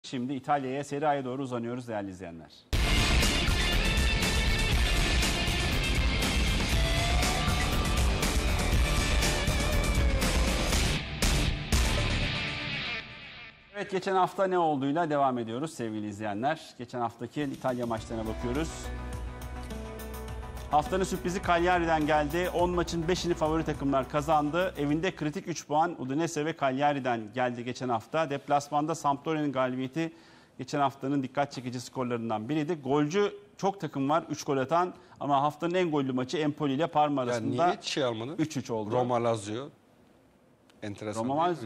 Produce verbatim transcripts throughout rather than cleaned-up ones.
Şimdi İtalya'ya, Serie A'ya doğru uzanıyoruz değerli izleyenler. Evet, geçen hafta ne olduğuyla devam ediyoruz sevgili izleyenler. Geçen haftaki İtalya maçlarına bakıyoruz. Haftanın sürprizi Cagliari'den geldi. on maçın beşini favori takımlar kazandı. Evinde kritik üç puan Udinese ve Cagliari'den geldi geçen hafta. Deplasmanda Sampdoria'nın galibiyeti geçen haftanın dikkat çekici skorlarından biriydi. Golcü çok takım var, üç gol atan, ama haftanın en gollü maçı Empoli ile Parma arasında. Yani niye hiç şey almadın? üç üç oldu. Roma Lazio. Enteresan. Roma Lazio.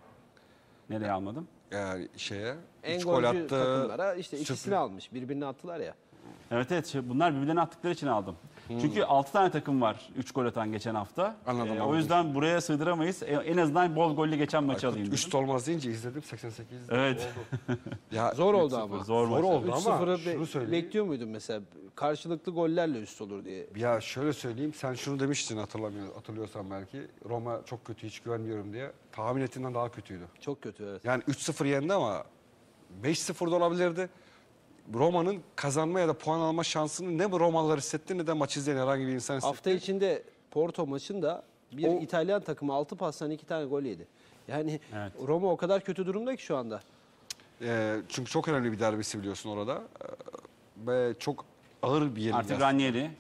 Nereye almadım? Yani şeye En üç gol golcü attı. takımlara işte ikisini sürpriz. almış. Birbirini attılar ya. Evet evet, şey, bunlar birbirlerine attıkları için aldım. Hmm. Çünkü altı tane takım var üç gol atan geçen hafta. Anladım, Ee, anladım. O yüzden buraya sığdıramayız. E, En azından bol gollü geçen maçı alayım dedim. Üst olmaz deyince izledim seksen sekiz. Evet. Oldu. Ya, Zor oldu ama. Zor, Zor maç. oldu üç ama sıfırı şunu be- söyleyeyim. bekliyor muydun mesela? Karşılıklı gollerle üst olur diye. Ya şöyle söyleyeyim, sen şunu demiştin hatırlamıyor, hatırlıyorsan belki. Roma çok kötü, hiç güvenmiyorum diye. Tahmin ettiğinden daha kötüydü. Çok kötü, evet. Yani üç sıfır yendi ama beş sıfır da olabilirdi. Roma'nın kazanma ya da puan alma şansını ne bu Romalılar hissetti ne de maç izleyen herhangi bir insan hissetti. Hafta içinde Porto maçında bir O- İtalyan takımı altı pastan iki tane gol yedi. Yani Evet. Roma o kadar kötü durumda ki şu anda. Ee, çünkü çok önemli bir derbisi biliyorsun orada. Ee, ve çok ağır bir yenilgi. Artık Ranieri.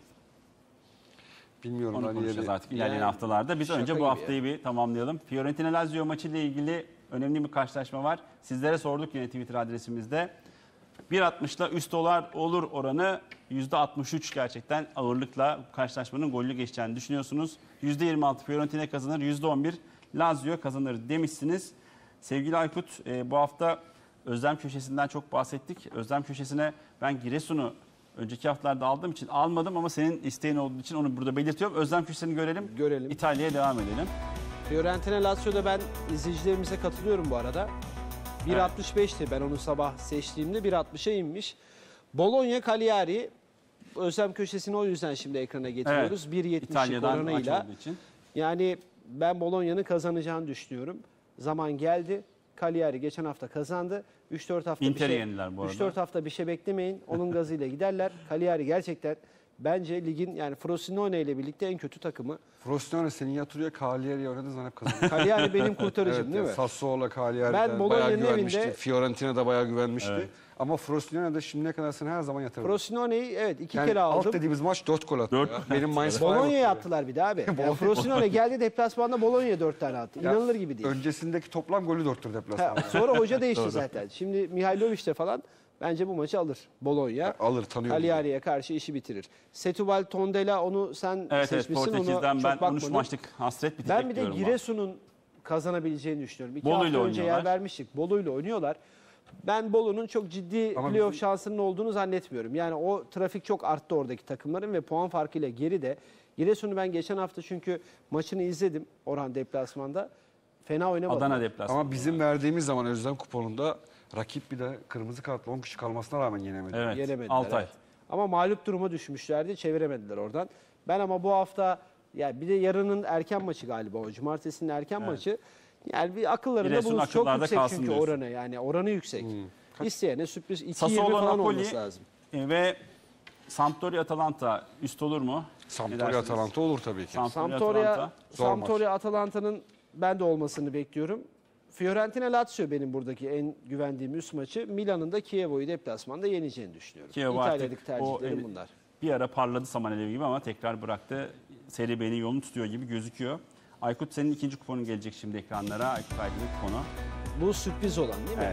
Bilmiyorum. Onu Ranieri. konuşacağız artık ilerleyen Yani haftalarda. Biz şaka önce bu gibi haftayı bir tamamlayalım. Fiorentina Lazio maçı ile ilgili önemli bir karşılaşma var. Sizlere sorduk yine Twitter adresimizde. bir altmışla üst dolar olur oranı yüzde altmış üç, gerçekten ağırlıkla karşılaşmanın gollü geçeceğini düşünüyorsunuz. yüzde yirmi altı Fiorentina kazanır, yüzde on bir Lazio kazanır demişsiniz. Sevgili Aykut, e, bu hafta Özlem Köşesi'nden çok bahsettik. Özlem Köşesi'ne ben Giresun'u önceki haftalarda aldığım için almadım, ama senin isteğin olduğu için onu burada belirtiyorum. Özlem Köşesi'ni görelim. Görelim. İtalya'ya devam edelim. Fiorentina Lazio'da ben izleyicilerimize katılıyorum bu arada. bir altmış beşti ben onu sabah seçtiğimde, bir altmışa inmiş. Bologna Cagliari, Özlem Köşesi'ni o yüzden şimdi ekrana getiriyoruz. Evet, bir yetmişlik İtalya'dan maç oranıyla. olduğu için. Yani ben Bologna'nın kazanacağını düşünüyorum. Zaman geldi. Cagliari geçen hafta kazandı. üç dört hafta Inter'i bir şey yendiler bu arada. üç dört hafta bir şey beklemeyin. Onun gazıyla giderler. Cagliari gerçekten bence ligin, yani Frosinone ile birlikte en kötü takımı. Frosinone senin yatırıyor, Cagliari oynadı zaman hep kazandı. Cagliari benim kurtarıcım Evet, değil mi? Sassuolo, Cagliari'den Ben bayağı Bologna'nın güvenmişti. evinde- Fiorentina da bayağı güvenmişti. Evet. Ama Frosinone'de şimdiye kadar seni her zaman yatırdı. Frosinone'yi evet iki Yani kere alt aldım. dediğimiz maç dört gol attı. Dört ya. gol Benim Mainz five Bologna'ya attı. attılar bir de abi. Yani Frosinone geldi deplasmanda Bologna'ya dört tane attı. Ya, İnanılır gibi değil. Öncesindeki toplam golü dörttür Ha, deplasmanda. sonra hoca değişti zaten. Şimdi Mihailovic'te falan bence bu maçı alır Bologna. Alır, tanıyorum. Cagliari'ye karşı işi bitirir. Setúbal Tondela, onu sen Evet evet, seçmişsin. Portekiz'den Onu ben çok on üç bakmadım. maçlık hasret bitecek Ben bir de diyorum. Giresun'un kazanabileceğini düşünüyorum. İki Bolu'yla hafta önce yer oynuyorlar. vermiştik. Bolu'yla oynuyorlar. Ben Bolu'nun çok ciddi Ama playoff bizim- şansının olduğunu zannetmiyorum. Yani o trafik çok arttı oradaki takımların ve puan farkıyla geride. Giresun'u ben geçen hafta çünkü maçını izledim Orhan deplasmanda. Fena oynamadı. Adana deplasmanı. Ama bizim verdiğimiz zaman Özlem kuponunda rakip bir de kırmızı kartla on kişi kalmasına rağmen yenemedi. Evet, Yenemediler. Altay. evet. Ama mağlup duruma düşmüşlerdi. Çeviremediler oradan. Ben ama bu hafta, ya bir de yarının erken maçı galiba o. Cumartesinin erken maçı. Yani bir akıllarında Giresun bulunsun. Çok akıllarda yüksek kalsın çünkü diyorsun. oranı. Yani oranı yüksek. İsteyene sürpriz iki yirmi Sassuolo falan Napoli olması lazım. e, ve Sampdoria Atalanta üst olur mu? Ne Sampdoria dersiniz? Atalanta olur tabii ki. Sampdoria Sampdoria, Atalanta. Zor Sampdoria Atalanta'nın ben de olmasını bekliyorum. Fiorentina Lazio benim buradaki en güvendiğim üst maçı. Milan'ın da Chievo'yu deplasmanda yeneceğini düşünüyorum. Chievo İtalya'daki artık tercihlerim o, bunlar. Bir ara parladı saman alevi gibi ama tekrar bıraktı. Seri B'nin yolunu tutuyor gibi gözüküyor. Aykut, senin ikinci kuponun gelecek şimdi ekranlara. Aykut Aydın'ın kuponu. Bu sürpriz olan değil mi? Evet.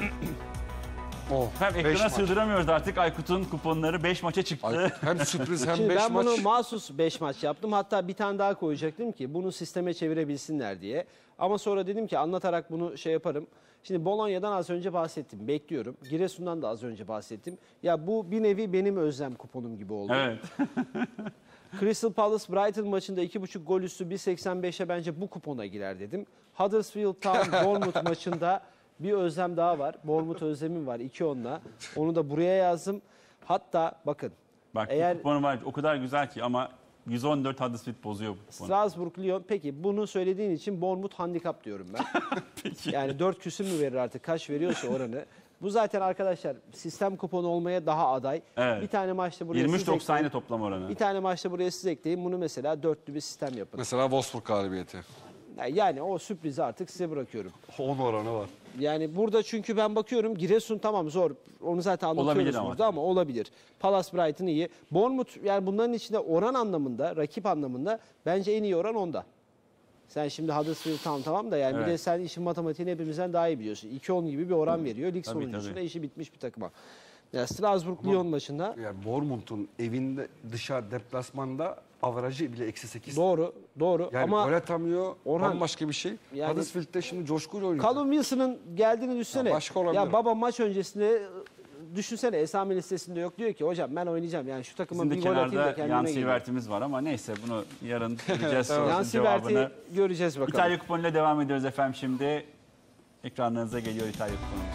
Oh, Hem beş ekrana maç. sığdıramıyoruz artık. Aykut'un kuponları beş maça çıktı. Ay, hem sürpriz hem Şimdi beş ben maç. bunu mahsus beş maç yaptım. Hatta bir tane daha koyacaktım ki bunu sisteme çevirebilsinler diye. Ama sonra dedim ki anlatarak bunu şey yaparım. Şimdi Bologna'dan az önce bahsettim. Bekliyorum. Giresun'dan da az önce bahsettim. Ya bu bir nevi benim özlem kuponum gibi oldu. Evet. Crystal Palace Brighton maçında iki buçuk gol üstü bir seksen beşe bence bu kupona girer dedim. Huddersfield Town Bournemouth maçında bir özlem daha var. Bournemouth özlemim var iki onla. Onu da buraya yazdım. Hatta bakın. Bak Eğer- bu kuponu var, o kadar güzel ki, ama yüz on dört Huddersfield bozuyor bu kuponu. Strasbourg Lyon. Peki bunu söylediğin için Bournemouth handikap diyorum ben. Yani dört küsür mü verir artık, kaç veriyorsa oranı. Bu zaten arkadaşlar sistem kuponu olmaya daha aday. Evet. Bir tane maçta buraya yirmi üç siz doksan ekleyin. toplam oranı. Bir tane maçta buraya siz ekleyin. Bunu mesela dörtlü bir sistem yapın. Mesela Wolfsburg galibiyeti. Yani o sürprizi artık size bırakıyorum. on oranı var. Yani burada çünkü ben bakıyorum Giresun tamam zor. Onu zaten anlatıyoruz Olabilir ama. burada ama olabilir. Palace Brighton iyi. Bournemouth yani bunların içinde oran anlamında, rakip anlamında bence en iyi oran onda. Sen şimdi Huddersfield tamam tamam da yani bir Evet. de sen işin matematiğini hepimizden daha iyi biliyorsun. iki on gibi bir oran veriyor. Lig Tabii, sonuncusunda tabii. işi bitmiş bir takıma. Ya Strasbourg-Lyon maçında Yani Bournemouth'un evinde dışarı deplasmanda averajı bile eksi sekiz. doğru, doğru Yani ama gol atamıyor, Orhan, bambaşka bir şey. yani- Huddersfield'de şimdi coşkuyla oynuyor. Callum Wilson'ın geldiğini düşünsene. Ya başka olabilir. Ya baba maç öncesinde düşünsene Esami listesinde yok diyor ki hocam ben oynayacağım. Yani şu takıma Bizim de bir gol atayım da kenarda kendime Yan geleyim. Sivert'imiz var ama neyse bunu yarın bileceğiz Evet. Yan sorusunun cevabını. Sivert'i göreceğiz bakalım. İtalya kuponuyla devam ediyoruz efendim şimdi. Ekranlarınıza geliyor İtalya kuponumuz.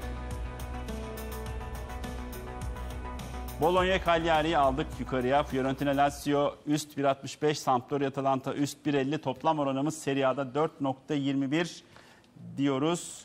Bologna Cagliari'yi aldık yukarıya. Fiorentina Lazio üst bir altmış beş, Sampdoria Atalanta üst bir elli. Toplam oranımız Serie A'da dört nokta yirmi bir diyoruz.